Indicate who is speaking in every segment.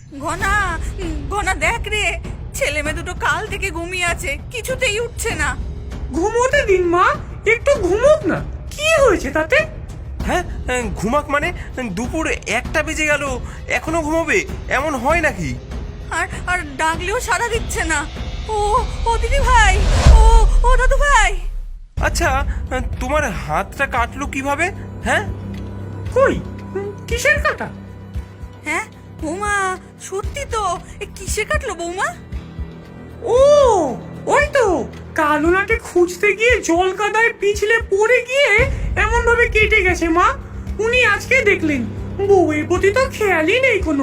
Speaker 1: ঘনা, ঘনা দেখ রে, ছেলে মেয়ে দুটো কাল থেকে ঘুমিয়ে আছে, কিছুতেই উঠছে না।
Speaker 2: ঘুমোতে দিন মা, একটু ঘুমোক না, কি হয়েছে তাতে?
Speaker 3: হ্যাঁ, ঘুমাক মানে? দুপুর 1টা বেজে গেল, এখনো ঘুমোবে? এমন হয় নাকি?
Speaker 1: আর আর ডাকলেও সাড়া দিচ্ছে না। ও ও দিদি ভাই, ও ও দাদু ভাই।
Speaker 3: আচ্ছা, তোমার হাতটা কাটলো কিভাবে? হ্যাঁ,
Speaker 2: কই, কিসের কাটা?
Speaker 1: হ্যাঁ বৌমা, সত্যি তো, এ কিসে কাটলো বৌমা?
Speaker 2: ও, ওই তো কালোনাকে খুঁজতে গিয়ে জল কাদায় পিছলে পড়ে গিয়ে এমন ভাবে কেটে গেছে মা। উনি আজকে দেখলেন, বউয়ের প্রতি তো খেয়ালই নেই কোনো।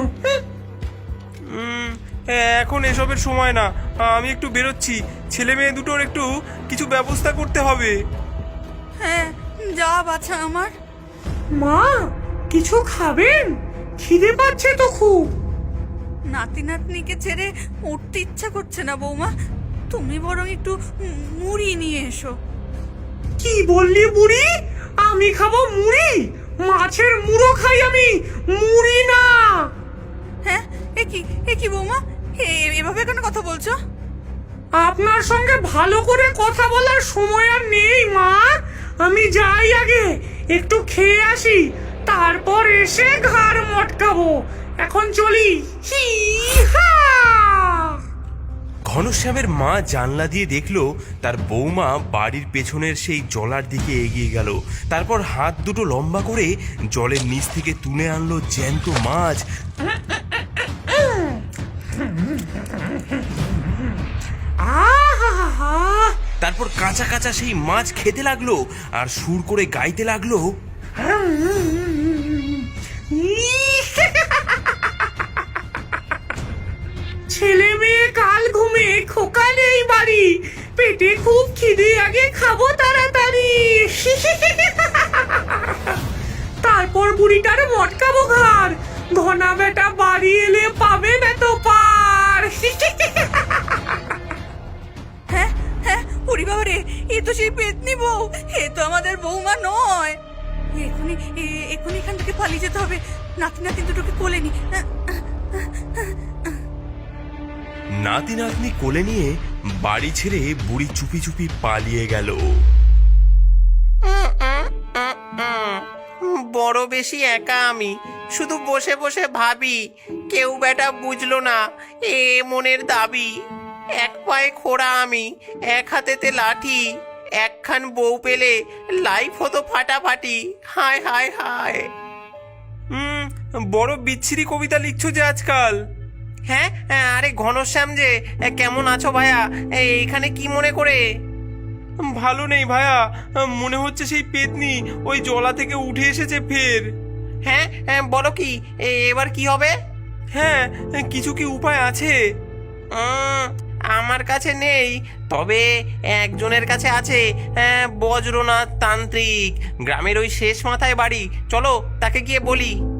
Speaker 3: এখন এসবের সময় না, আমি একটু বেরোচ্ছি। ছেলে মেয়ে দুটোর একটু কিছু ব্যবস্থা করতে হবে।
Speaker 1: হ্যাঁ, যা বাছা আমার।
Speaker 2: মা, কিছু খাবেন? খিদে পাচ্ছে তো খুব।
Speaker 1: নাতি নাতনিকে ছেড়ে উঠতে ইচ্ছা করছে না বৌমা, তুমি বরং একটু মুড়ি নিয়ে এসো।
Speaker 2: কি বললি বুড়ি? আমি খাবো মুড়ি? মাছের মুড়ো খাই আমি, মুড়ি না।
Speaker 1: হ্যাঁ, এ কি বৌমা, এভাবে কেন কথা বলছো?
Speaker 2: আপনার সঙ্গে ভালো করে কথা বলার সময় আর নেই মা। আমি যাই আগে একটু খেয়ে আসি, তারপর এসে ঘাড় মটকাবো। এখন চলি। হি হা।
Speaker 3: ঘনশ্যামের মা জানলা দিয়ে দেখলো তার বৌমা বাড়ির পেছনের সেই জলার দিকে এগিয়ে গেল। তারপর হাত দুটো লম্বা করে জলের নিচ থেকে তুলে আনলো জ্যান্ত মাছ।
Speaker 2: আহা,
Speaker 3: তারপর কাঁচা কাঁচা সেই মাছ খেতে লাগলো আর সুর করে গাইতে লাগলো।
Speaker 2: ছেলে মেয়ে কাল ঘুমে, খোকা নেই বাড়ি, পেটে খুব খিদে, আগে খাবো তাড়াতাড়ি। তারপর বুড়িটার মটকাবো ঘাড়, ঘনা বেটা বাড়ি এলে পাবে না তো পার।
Speaker 1: হ্যাঁ হ্যাঁ, ওরে বাবা রে, এ তো সেই পেতনি বউ, এ তো আমাদের বৌমা নয়। এখনই এখনই এখান থেকে পালিয়ে যেতে হবে, নাতি নাতি দুটোকে কোলে নি।
Speaker 3: নাতি নাতনি কোলে নিয়ে বাড়ি ছেড়ে বুড়ি চুপি চুপি পালিয়ে গেল।
Speaker 4: বড় বেশি একা আমি, শুধু বসে বসে ভাবি, কেউ বেটা বুঝলো না এ মনের দাবি। এক পায়ে খোড়া আমি, এক হাতেতে লাঠি, একখান বউ পেলে লাইফ হতো ফাটাফাটি। হায় হায় হায়।
Speaker 3: বড় বিচ্ছিরি কবিতা লিখছো যে আজকাল।
Speaker 4: হ্যাঁ, আরে ঘনশ্যাম যে, কেমন আছো ভাইয়া? এইখানে কি মনে করে?
Speaker 3: ভালো নেই ভাইয়া, মনে হচ্ছে সেই পেতনি ওই জলা থেকে উঠে এসেছে ফের।
Speaker 4: হ্যাঁ, বলো কি, এবার কি হবে?
Speaker 3: হ্যাঁ, কিছু কি উপায় আছে?
Speaker 4: আমার কাছে নেই, তবে একজনের কাছে আছে। বজ্রনাথ তান্ত্রিক, গ্রামের ওই শেষ মাথায় বাড়ি। চলো তাকে গিয়ে বলি।